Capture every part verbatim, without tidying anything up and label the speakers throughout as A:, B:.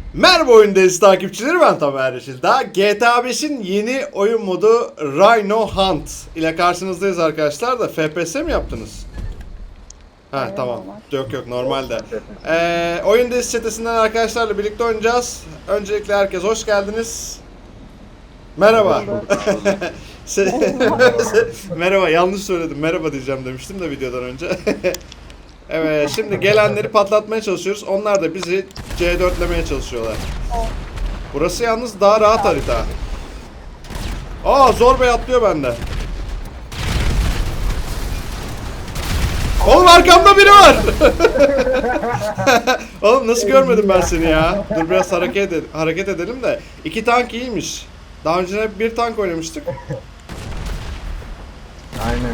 A: Merhaba oyundayız takipçileri, ben Tamer Yeşil. Daha G T A beşin yeni oyun modu Rhino Hunt ile karşınızdayız arkadaşlar da F P S mi yaptınız? Ha
B: Aynen,
A: tamam.
B: normal.
A: Yok yok normalde. Ee, oyundayız çetesinden arkadaşlarla birlikte oynayacağız. Öncelikle herkes hoş geldiniz. Merhaba. Merhaba, yanlış söyledim. Merhaba diyeceğim demiştim de videodan önce. Evet, şimdi gelenleri patlatmaya çalışıyoruz. Onlar da bizi C dörtlemeye çalışıyorlar. Burası yalnız daha rahat harita. Aa, zor bey atlıyor bende. Oğlum arkamda biri var. Oğlum nasıl görmedim ben seni ya? Dur biraz hareket edelim, hareket edelim de. İki tank iyiymiş. Daha önce hep bir tank oynamıştık.
C: Aynen.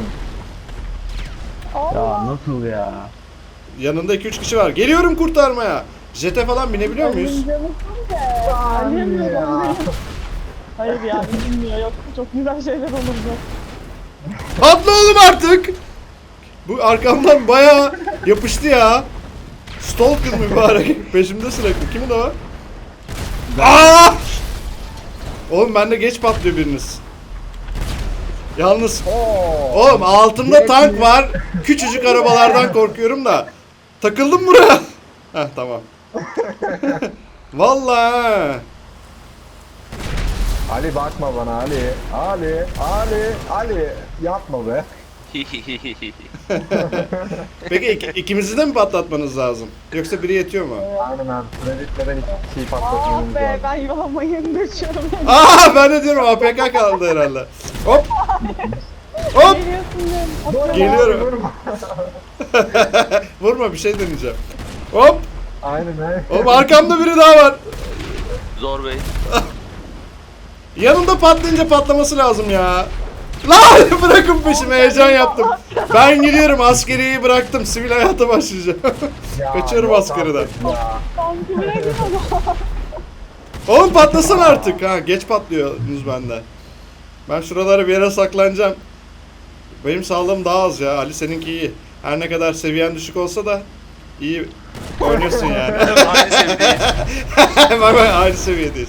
B: Allah.
C: Ya nasıl ya?
A: Yanında iki üç kişi var. Geliyorum kurtarmaya. Jete falan binebiliyor muyuz?
B: Annem
C: ya.
B: ya. Hayır ya, bilmiyor. Yok, çok güzel şeyler olurdu.
A: Atla oğlum artık. Bu arkamdan bayağı yapıştı ya. Stalker mübarek. Peşimde sürekli. Kimin o? Aa! Oğlum bende geç patlıyor biriniz. Yalnız
C: Oo.
A: oğlum altımda tank var. Küçücük arabalardan korkuyorum da. Takıldım buraya. Heh tamam. Vallahi.
C: Ali bakma bana Ali. Ali, Ali, Ali. Yapma be.
A: Peki ik- ikimizi de mi patlatmanız lazım? Yoksa biri yetiyor mu?
C: Aynen. Süre bitmeden iki kişiyi
B: Ah
C: patlatmamız
B: be,
C: lazım.
B: ben yuvalamayı geçiyorum.
A: Aa, ben de diyorum A P K kaldı herhalde. Hop. Hop.
B: Geliyorsun diyorum. Atıyorum.
A: Geliyorum.
C: Vurma.
A: Vurma, bir şey deneyeceğim. Hop.
C: Aynen aynen.
A: Oğlum arkamda biri daha var.
D: Zor bey.
A: Yanımda patlayınca patlaması lazım ya. Lan bırakın peşimi, heyecan yaptım. Ben gidiyorum, askeriyeyi bıraktım, sivil hayata başlayacağım.
C: Ya,
A: Kaçıyorum
C: yok
A: askeriden.
C: artık ya.
B: Sanki bırakın ama.
A: Oğlum patlasana artık. Ha, geç patlıyorsunuz bende. Ben şuralara bir yere saklanacağım. Benim sağlığım daha az ya. Ali seninki iyi. Her ne kadar seviyen düşük olsa da iyi oynuyorsun yani.
D: Aynı seviyedeyiz.
A: Bak bak, aynı seviyedeyiz.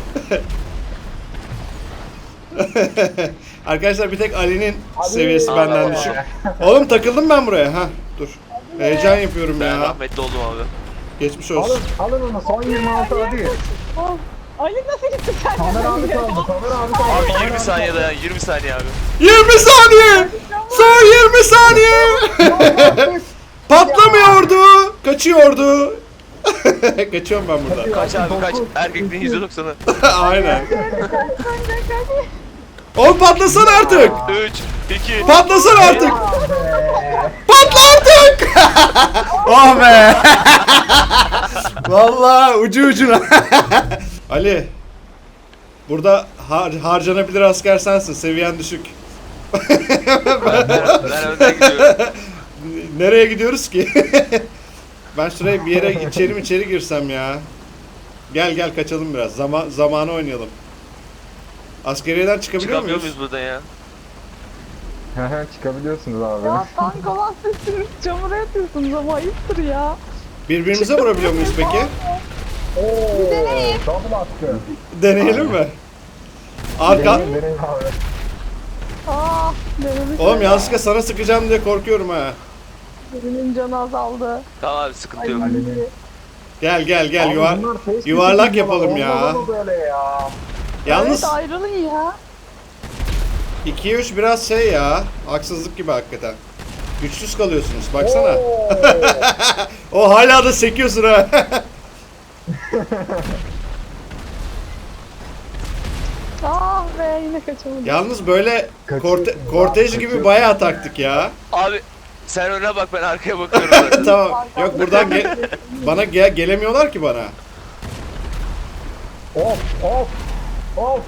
A: Arkadaşlar bir tek Ali'nin seviyesi
C: Ali.
A: benden
D: Aa.
A: düşük. Oğlum takıldım ben buraya. Ha dur. Heyecan yapıyorum
D: Ben
A: ya.
D: rahmetli oldum abi.
A: Geçmiş
C: Alın,
A: olsun.
C: alın onu son yirmi altı hadi.
B: Oh, Ali nasıl gitti sen?
C: Tamer abi kaldı, Tamer abi kaldı.
D: Abi
C: Tamer
D: yirmi
C: abi
D: saniye
C: kaldı.
D: dayan, yirmi saniye abi.
A: yirmi saniye. Son yirmi saniye. Patlamıyordu. Kaçıyordu. Kaçıyorum ben buradan.
D: Kaç abi kaç. Erkekliğin yüzde doksanı.
A: Aynen. Oğlum patlasana artık.
D: üç, iki,
A: Patlasana artık.
C: Ya be.
A: Patla artık. Oh be. Vallahi ucu ucuna. Ali. Burada har harcanabilir asker sensin. Seviyen düşük.
D: ben, ben önden gidiyorum.
A: Nereye gidiyoruz ki? Ben şuraya bir yere içeri mi içeri girsem ya. Gel gel kaçalım biraz. Zaman zamanı oynayalım. Askeriyeden çıkabiliyor
D: Çıkamıyor
A: muyuz?
D: muyuz buradan ya?
C: Hı hı, çıkabiliyorsunuz abi.
B: Ya tank olan sesiniz çamura yatıyorsunuz ama ayıptır ya.
A: Birbirimize vurabiliyor muyuz peki?
C: Oo, double attı.
A: Deneyelim mi? Arka...
C: Deneyin, deneyin abi.
B: Ah, denemiş.
A: Oğlum yanlışlıkla sana sıkacağım diye korkuyorum ha.
B: Birinin canı azaldı.
D: Tamam abi sıkıntı yok.
C: Ali'nin.
A: Gel gel gel
C: Abi
A: yuvar
C: bunlar face
A: yuvarlak
C: to face
A: yapalım
C: olmaz
A: ya.
C: ama böyle ya.
A: Yalnız
B: Evet, ayrılın ya.
A: ikiye üç biraz şey ya. Haksızlık gibi hakikaten. Güçsüz kalıyorsunuz baksana.
C: Oo.
A: O hala da sekiyorsun ha.
B: Ah be, yine kaçamadım.
A: Yalnız böyle
C: Kaçıyorsun
A: korte
C: ya,
A: kortej gibi
C: kaçıyorsun.
A: bayağı taktik ya.
D: Abi sen öne bak, ben arkaya bakıyorum zaten.
A: Tamam. Yok buradan ge- bana ge- gelemiyorlar ki bana.
C: Of of of.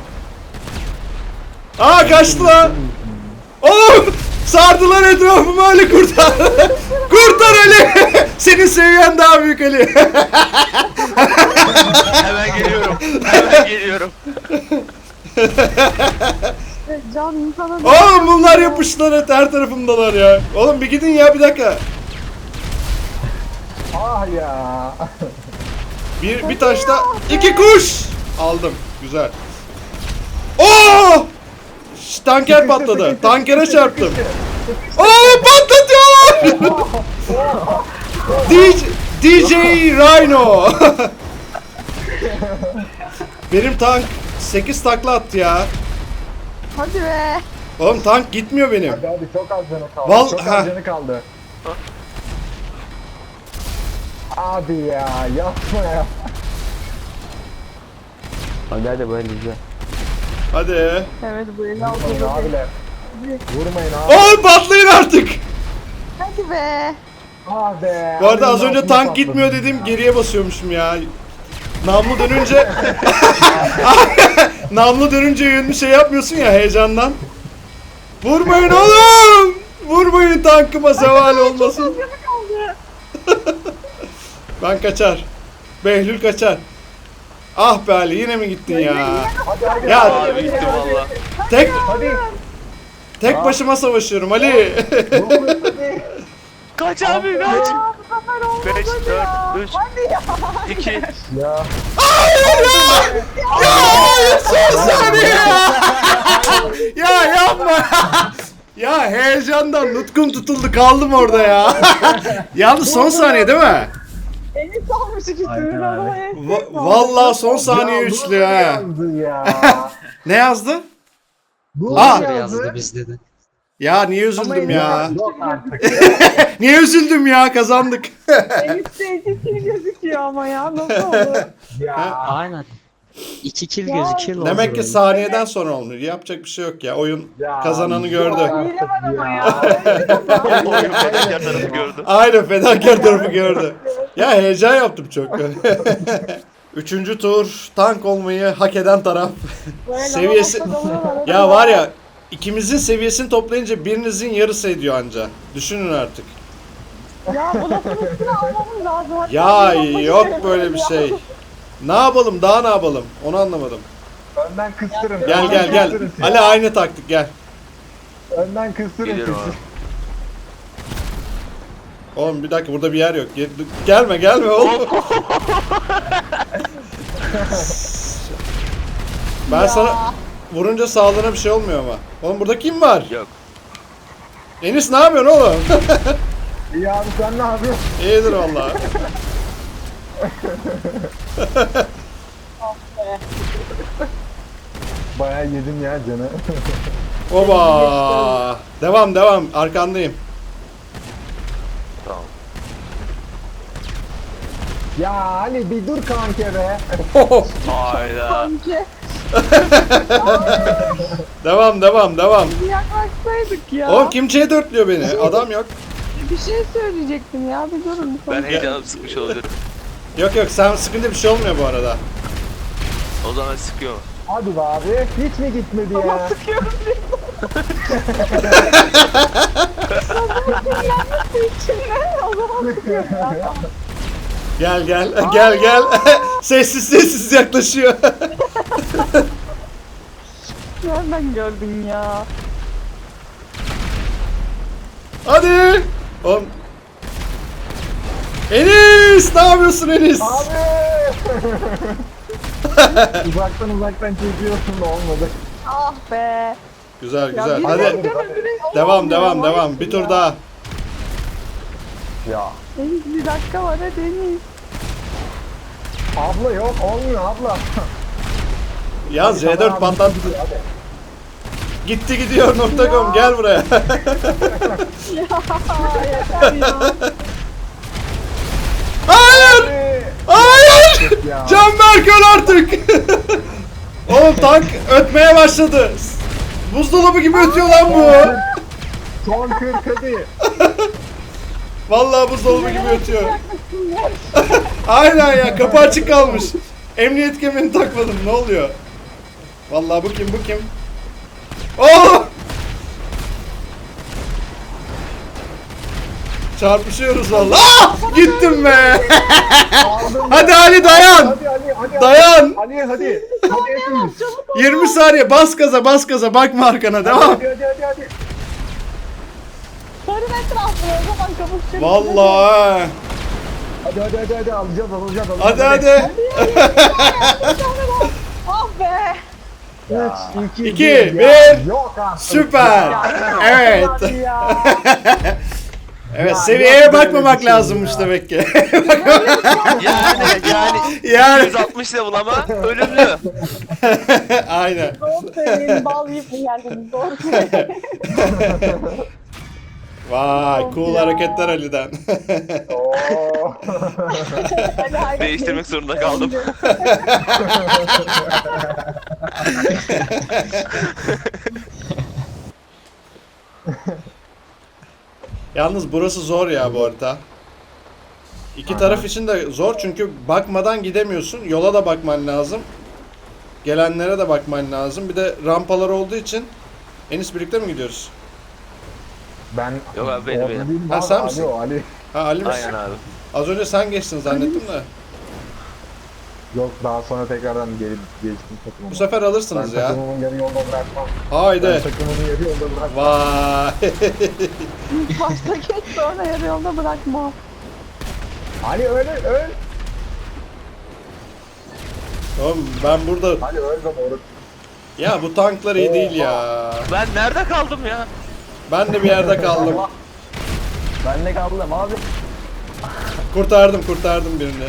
A: Aa kaçtı lan. Oğlum sardılar etrafımı, Ali kurtar. Kurtar Ali. Senin seviyen daha büyük Ali.
D: Hemen geliyorum. Hemen geliyorum.
B: Can insana...
A: Oğlum bunlar yapıştılar, et her tarafımdalar ya. Oğlum bir gidin ya, bir dakika.
C: Ah ya.
A: Bir, bir taşta iki kuş. Aldım. Güzel. Oo! Şş, tanker patladı. Tankere çarptım. Oo patlatıyorlar. D J, D J Rhino. Benim tank sekiz takla attı ya.
B: Hadi be.
A: Oğlum tank gitmiyor benim.
C: Hadi hadi çok az canı kaldı.
A: Val-
C: çok
A: ha.
C: az canı kaldı. Abi ya yapma ya.
E: Hadi hadi böyle güzel.
A: Hadi.
B: Evet bu eli
C: Vurmayın
B: aldı.
C: abiler. Vurmayın abi.
A: Oğlum patlayın artık.
B: Hadi be.
C: Ah be.
A: Bu arada az
C: Abinin
A: önce
C: altına
A: tank
C: patladım
A: gitmiyor
C: ya.
A: dedim, geriye basıyormuşum ya. Namlu dönünce namlu dönünce yönünü şey yapmıyorsun ya heyecandan. Vurmayın oğlum! Vurmayın tankıma zeval olmasın. Ben kaçar. Behlül kaçar. Ah be Ali yine mi gittin ya?
C: Hadi hadi.
A: Ya
D: Abi gittim valla.
A: tek
C: Hadi.
A: tek başıma savaşıyorum Ali.
C: Vurmayın hadi.
D: Kaç abi kaç.
B: Aa, bu sefer olmadı
D: beş,
B: ya.
D: dört, üç,
B: Hadi ya.
D: iki.
C: Ya.
A: Son saniye ya. Ya yapma. Ya heyecandan nutkum tutuldu kaldım orada ya. Yalnız son saniye değil mi?
B: Enis almış ikisini. Ama Enis
A: Va- vallahi son saniye
C: Ya,
A: üçlü
C: bu ne
A: ha.
C: yazdı ya?
A: Ne yazdı?
C: Bu
A: Aa!
C: ne
E: Yazdı
C: yazdı?
E: bizde de.
A: Ya niye üzüldüm ya?
C: Yok artık.
A: Niye üzüldüm ya? Kazandık.
B: Enis'te iki kill gözüküyor ama ya. Nasıl oldu?
C: Ya.
E: Aynen. İki kill
B: Ya.
E: gözüküyor.
A: Demek ki saniyeden sonra olmuyor. Yapacak bir şey yok ya. Oyun
C: Ya,
A: kazananı gördü.
B: Hile var ama ya.
D: Oyun fedakar tarafı gördüm.
A: Aynen fedakar tarafı gördü. Ya heyecan yaptım çok. Üçüncü tur tank olmayı hak eden taraf.
B: Böyle
A: Seviyesi...
B: lavaboda dalıyorlar,
A: Ya var ya ikimizin seviyesini toplayınca birinizin yarısı ediyor anca. Düşünün artık.
B: Ya bu lafın üstüne almamız lazım. Hatta
A: Ya
B: bir lafı
A: yok
B: şey
A: böyle bir
B: ya.
A: şey. Ne yapalım daha ne yapalım onu anlamadım.
C: Önden kıstırın.
A: Gel
C: önden
A: gel gel.
C: kıstırın siz.
A: Ali aynı taktik gel.
C: Önden kıstırın
D: Geliyorum
C: siz.
D: abi.
A: Oğlum bir dakika burada bir yer yok. Gel- Gelme gelme oğlum. Ben sana vurunca sağlığına bir şey olmuyor ama. Oğlum burada kim var?
D: Yok.
A: Enis ne yapıyorsun oğlum?
C: İyi abi sen ne yapıyorsun?
A: İyidir vallahi.
C: Bayağı yedim ya canı.
A: Oba. Devam devam arkandayım.
D: Tamam.
C: Ya Ali bir dur kanka be.
D: Hayda.
B: Sanki
A: Devam devam devam.
B: bir yaklaşsaydık ya.
A: Oğlum kim C dörtlüyor beni? Adam yok.
B: Bir şey söyleyecektim ya. Bir durun.
D: Ben heyecanım sıkmış olabilirim.
A: Yok yok sen sıkınca bir şey olmuyor bu arada.
D: O zaman sıkıyor.
C: Hadi be abi. Hiç mi gitmedi
B: Ama
C: ya?
B: sıkıyorum diye. İçimde o zaman sıkıyorum ya.
A: Gel gel gel gel. Sessiz sessiz yaklaşıyor.
B: Nereden gördün ya?
A: Hadi. Oğlum. Enis ne yapıyorsun Enis?
C: Abi. uzaktan uzaktan çekiyorsun da olmadı.
B: Ah be.
A: Güzel
B: Ya
A: güzel.
B: bir
A: Hadi.
B: dakika öbürü-
A: Devam
B: olmuyor,
A: devam
B: olmuyor
A: devam. Bir tur
B: ya.
A: daha.
C: Ya.
B: Deniz bir dakika var ha Deniz.
C: Abla yok olmuyor abla.
A: Yaz C
C: Tamam
A: dört
C: abi,
A: patlat.
C: gidiyor, hadi.
A: Gitti gidiyor nokta com gel buraya.
B: Ya yeter ya.
A: Hayır!
C: Abi.
A: Hayır!
C: Ya.
A: Canberk öl artık! Oğlum tank ötmeye başladı. Buzdolabı gibi ötüyor lan bu.
C: Son kırk hadi.
A: Vallahi buzdolabı gibi ötüyor. Aynen ya kapı açık kalmış. Emniyet kemerini takmadım ne oluyor? Vallahi bu kim bu kim? Oh! Çarpışıyoruz vallahi. Ah! Gittim be.
C: Aldım
A: Hadi
C: ya.
A: Ali dayan.
C: Hadi Ali hadi.
A: Dayan.
C: Ali hadi. Hadi hepimiz.
A: yirmi saniye bas gaza bas gaza bakma arkana devam.
C: Hadi hadi hadi hadi.
B: Sarın etrafı o zaman kavuşacak.
A: Vallahi.
C: Hadi hadi hadi hadi alacağız alacağız alacağız.
A: Hadi hadi.
B: Ah be.
C: üç, iki,
A: İki,
C: bir.
A: bir.
C: Yok artık.
A: Süper. Evet.
B: Hadi ya.
A: Evet
C: Ya,
A: seviyeye
C: yok böyle
A: bakmamak
C: bir şey
A: lazımmış
C: ya.
A: demek ki.
D: Yani yani
A: Yani
D: yüz altmış level ama ölümlü.
A: aynen.
B: Doğru söyleyin. Bal yiyip mi geldiniz? Doğru söyleyin.
A: Vay
B: Of
A: cool
B: ya.
A: hareketler Ali'den.
C: Oo.
B: Hadi hayret
D: Değiştirmek zorunda kaldım.
A: Yalnız burası zor ya bu harita. İki taraf için de zor çünkü bakmadan gidemiyorsun. Yola da bakman lazım. Gelenlere de bakman lazım. Bir de rampalar olduğu için Enis birlikte mi gidiyoruz?
C: Ben
D: Yok abi, benim,
C: orada
D: benim.
C: değilim
A: Ha,
C: abi,
A: sen
C: Ali
A: misin?
C: o, Ali.
A: Ha Ali misin?
D: Aynen abi.
A: Az önce sen geçtin zannettim de.
C: Yok daha sonra tekrardan geri geçtim takımıma.
A: Bu sefer
C: ben
A: alırsınız ya.
C: takımımın yarı yolda bırakmam. Ben
A: Haydi.
C: takımımın yarı yolda bırakmam.
A: Vay.
B: İlk başta geç sonra yarı yolda bırakma.
C: Ali öl öl.
A: Oğlum ben burada...
C: Ali öl de doğru.
A: Ya bu tanklar iyi değil ya.
D: Ben nerede kaldım ya?
A: Ben de bir yerde kaldım.
C: Ben de kaldım abi.
A: Kurtardım kurtardım birini.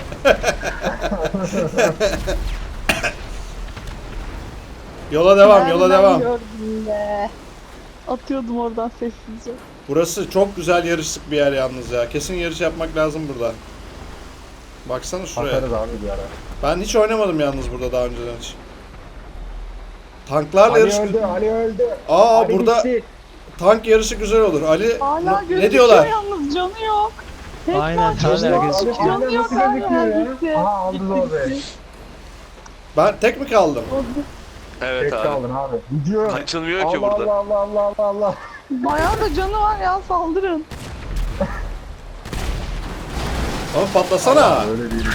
A: Yola devam yola
B: Nereden
A: devam.
B: gördün be? Atıyordum oradan sessizce.
A: Burası çok güzel yarışlık bir yer yalnız ya. Kesin yarış yapmak lazım burada. Baksana şuraya.
C: Atarız abi bir ara.
A: Ben hiç oynamadım yalnız burada daha önceden hiç. Tanklarla
C: Ali
A: yarış...
C: öldü, Ali öldü.
A: Aa
C: Ali
A: burada
C: gitti.
A: tank yarışı güzel olur. Ali
B: Hala
A: ne-
B: gözüküyor
A: ne diyorlar?
B: yalnız canı yok. Tek
E: Aynen,
B: parça
E: hala
B: yok.
E: gözüküyor.
C: Ali
B: Canı yok
C: nasıl
B: hala
C: gözüküyor
B: gitti.
C: ya? Aha aldı zor be.
A: Ben tek mi kaldım?
D: Evet
C: Tek
D: abi.
C: kaldın abi. Gidiyor.
D: Açılmıyor ki
C: Allah
D: burada.
C: Allah Allah Allah Allah Allah.
B: Bayağı da canı var ya saldırın.
A: Oğlum patlasana.
C: Öyle değil.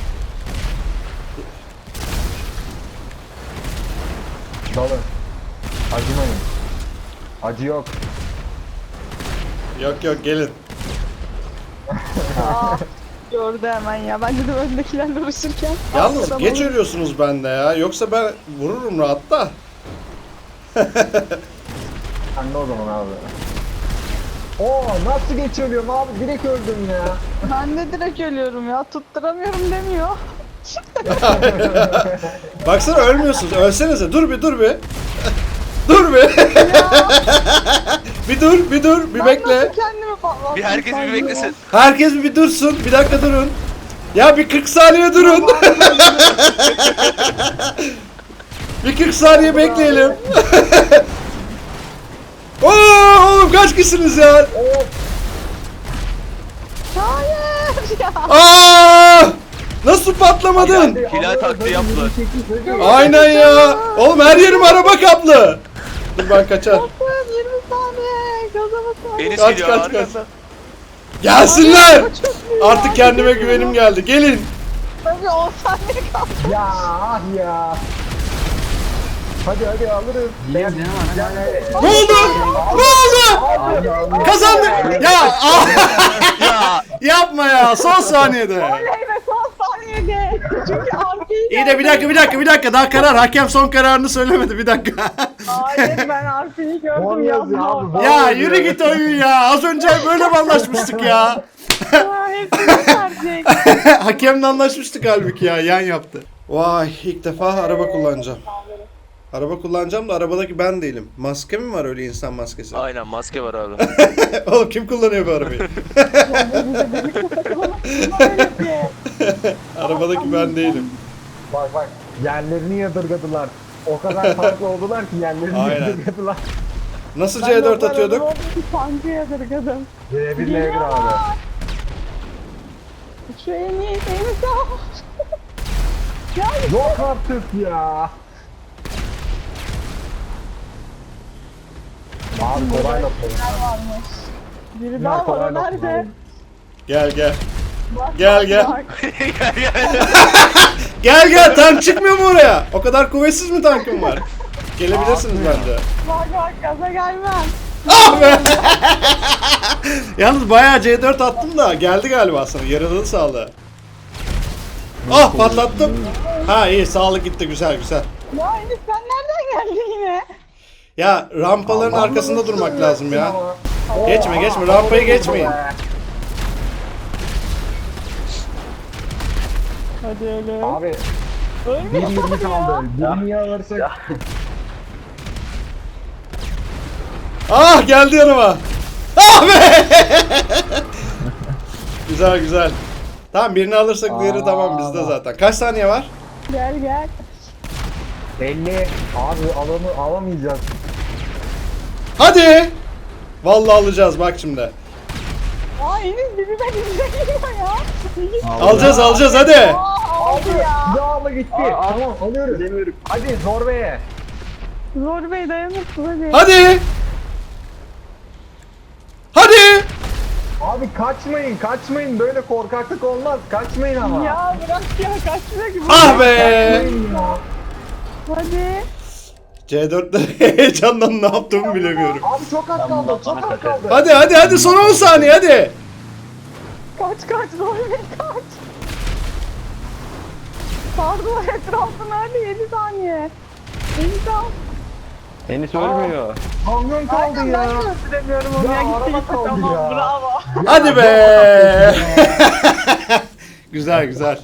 C: Dalın. Acımayın. Acı yok.
A: Yok yok gelin.
B: Aa, gördü hemen ya. Bence de öndekilerle uğraşırken.
A: Yalnız
B: arkadan
A: geç
B: alır.
A: ölüyorsunuz bende ya. Yoksa ben vururum rahat da.
C: Sen de o zaman abi. Oo nasıl geçiyorum abi? Direkt öldüm ya.
B: Ben de direkt ölüyorum ya. Tutturamıyorum demiyor.
A: Baksana ölmüyorsunuz. Ölsenize. Dur bir dur bir. dur bir. bir dur bir dur bir
B: Ben
A: bekle.
B: nasıl kendimi patlattım?
D: Bir herkes bir
B: sanki
D: beklesin.
B: ya?
A: Herkes bir dursun. Bir dakika durun. Ya bir kırk saniye durun. bir kırk saniye bekleyelim. Oo oğlum kaç kişisiniz ya?
B: Hayır ya.
A: Aa! Nasıl patlamadın?
D: Hilal taktiği yaptılar.
A: Aynen ya. Oğlum her yerim araba kaplı. Dur ben kaçar.
B: Bakın yirmi saniye. Gaza basın.
D: Enis
A: Kaç,
D: geliyor
A: kaç, kaç.
D: arkamda.
A: Gelsinler.
B: Çok iyi ya,
A: Artık kendime
B: çok iyi.
A: güvenim geldi. Gelin.
B: Tabii on saniye kaldı.
C: Ya ah ya. Hadi hadi alırız.
E: Biliyorum canım ama.
C: Yani.
A: Ne oldu? Ne oldu? Kazandık. Ya ah!
D: Ya
A: yapma ya. Son saniyede.
B: Oley be son saniyede. Çünkü arkayı
A: İyi de bir dakika bir dakika bir dakika daha karar. Hakem son kararını söylemedi bir dakika.
B: Hayır ben arkayı gördüm
C: Olmaz ya
B: yazma.
C: abi.
A: ya yürü git oyun ya. Az önce böyle mi anlaşmıştık ya?
B: Ha, hepsini verecek.
A: Hakemle anlaşmıştık halbuki ya. Yan yaptı. Vay ilk defa araba kullanacağım. Araba kullanacağım da arabadaki ben değilim. Maske mi var öyle insan maskesi?
D: aynen maske var abi.
A: Oğlum kim kullanıyor bu arabayı?
B: Öyle ki.
A: Arabadaki ben değilim.
C: Bak bak yerlerini yadırgadılar. O kadar farklı oldular ki yerlerini
A: Aynen.
C: yadırgadılar.
A: Nasıl
B: Ben
A: C dört
B: de o
A: atıyorduk?
B: arada Sancı yadırgadım.
C: C bir L bir abi.
B: Şu en iyi en sağ. Ya
C: Yok artık ya. Abi kolayla
B: neler varmış. Biri
C: Bunlar
B: daha var o
C: kolayla
B: nerede?
A: Gel gel.
B: Bak,
A: Gel,
B: bak,
A: gel.
B: bak.
D: gel gel.
A: Gel gel tank çıkmıyor mu oraya? O kadar kuvvetsiz mi tankım var? Gelebilirsiniz bence.
B: Bak bak gaza gelmem.
A: Ah be! Yalnız bayağı C dört attım da geldi galiba sana. Yaralı sağlığı. Ah patlattım. Ha iyi sağlık gitti güzel güzel.
B: Ya Enis sen nereden geldin yine?
A: Ya rampaların arkasında durmak lazım ya. Geçme geçme rampayı geçmeyin.
B: Hadi öyle.
C: Abi
B: Ölme
C: bir yirmi
B: ya.
C: kaldı. Birini alırsak.
A: Ah geldi yanıma. Ah be! Güzel güzel. Tamam birini alırsak diğeri tamam bizde zaten. Kaç saniye var?
B: Gel gel.
C: elli. Abi alanı alamayacağız.
A: Hadi. Vallahi alacağız bak şimdi.
B: Aa Enis bizi ben izlemiyor ya. Enis
A: Alacağız alacağız hadi.
B: aa, aldı ya.
C: Silahla gitti. Tamam alıyoruz. Demiyorum. Hadi Zorbeye.
B: Zor Bey dayanırsın hadi.
A: Hadi. Hadi.
C: Abi kaçmayın kaçmayın. Böyle korkaklık olmaz. Kaçmayın ama.
B: Ya bırak ya kaçmıyor ki.
A: Ah be.
C: Kaçmayın ya.
B: Hadi.
A: C dörtte heyecandan ne yaptığımı bilemiyorum.
C: Abi çok az kaldı. Çok az kaldı.
A: Hadi hadi hadi son on saniye hadi.
B: Kaç kaç Zor Bey kaç. Pardon etrafına hadi yedi saniye. Enis al.
E: Enis ölmüyor.
C: Kamyon kaldı
B: Aynen
C: ya.
B: ben de öldüremiyorum onu
C: Ya,
B: ya. Gitti
C: araba
B: gitti
C: kaldı
B: tamam
C: ya.
B: bravo.
A: Hadi be. Güzel güzel.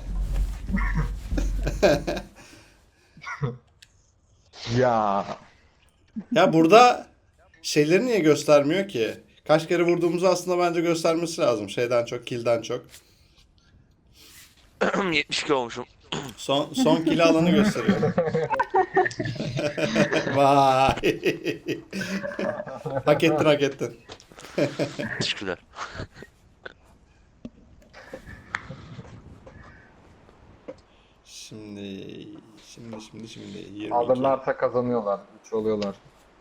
C: Ya.
A: Ya burada şeyleri niye göstermiyor ki? Kaç kere vurduğumuzu aslında bence göstermesi lazım. Şeyden çok, kill'den çok.
D: yetmiş iki olmuşum.
A: Son son kill alanı gösteriyor. Vay. Hak ettin hak ettin.
D: Teşekkürler.
A: Şimdi şimdi şimdi şimdi yirmi iki.
C: Alırlarsa kazanıyorlar. üç oluyorlar.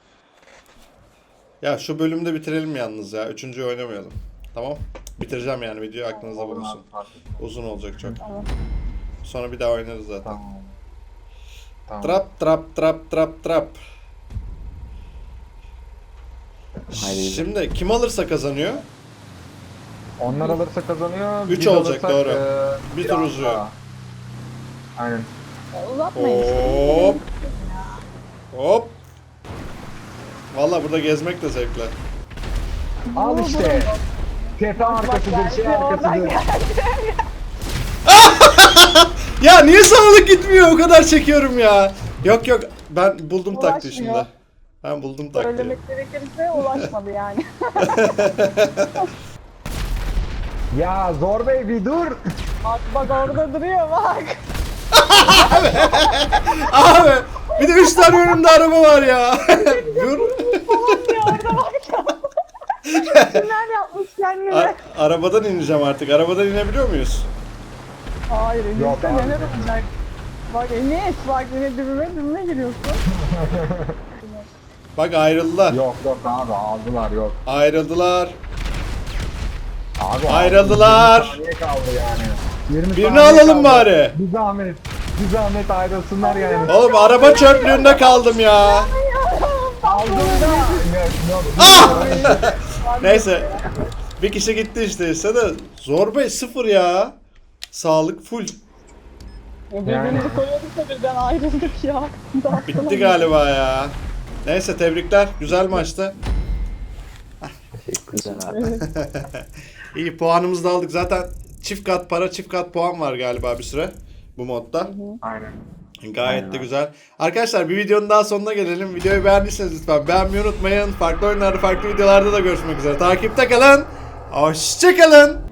A: Ya şu bölümde bitirelim yalnız ya. Üçüncüyü oynamayalım. Tamam. Bitireceğim yani videoyu aklınızda bulunsun. Uzun olacak çok. Sonra bir daha oynarız zaten.
C: Tamam. Tamam.
A: Trap trap trap trap trap.
E: Haydi.
A: Şimdi kim alırsa kazanıyor.
C: Onlar alırsa kazanıyor.
A: Üç
C: biz
A: olacak,
C: alırsak,
A: doğru.
C: eee,
A: Bir tur
C: biraz
A: uzuyor.
C: daha. Aynen.
B: Uzatmayın işte.
A: Hop. Hop. Valla burada gezmek de zevkli.
C: Al işte. Tepe arkasıdır, şey arkasıdır.
A: Ya niye sağlık gitmiyor? O kadar çekiyorum ya. Yok yok ben buldum taktiği
B: Ulaşmıyor.
A: şimdi. Ben buldum taktiği.
B: Söylemek gerekirse ulaşmadı yani.
C: Ya Zor Bey bir dur.
B: Bak bak orada duruyor bak.
A: Abi bir de üç tane önümde araba var ya. Dur.
B: Ya orada bak ya. Kimler yapmış kendine?
A: A- arabadan ineceğim artık. Arabadan inebiliyor muyuz?
B: Hayır
C: Yok
B: Enis'te
C: abi.
B: neler olacak? Bak Enis bak yine dibime dibime giriyorsun.
A: Bak ayrıldılar.
C: Yok yok abi aldılar yok.
A: Ayrıldılar.
C: Abi
A: Ayrıldılar.
C: yirmi saniye kaldı yani. yirmi
A: Birini
C: saniye
A: alalım
C: kaldı.
A: bari.
C: Bir zahmet. Bir zahmet ayrılsınlar yani.
A: Oğlum araba çöplüğünde kaldım ya.
C: Aldığında.
A: Ah! Neyse. Bir kişi gitti işte ise de Zor Bey sıfır ya. Sağlık full.
B: Birbirimizi koyuyorduk da birden ayrıldık ya.
A: Bitti galiba ya. Neyse tebrikler. Güzel maçtı.
E: Teşekkürler abi.
A: İyi puanımızı da aldık. Zaten çift kat para çift kat puan var galiba bir süre bu modda.
C: Aynen.
A: Gayet de güzel. Arkadaşlar bir videonun daha sonuna gelelim. Videoyu beğendiyseniz lütfen beğenmeyi unutmayın. Farklı oyunlarda farklı videolarda da görüşmek üzere. Takipte kalın. Hoşçakalın.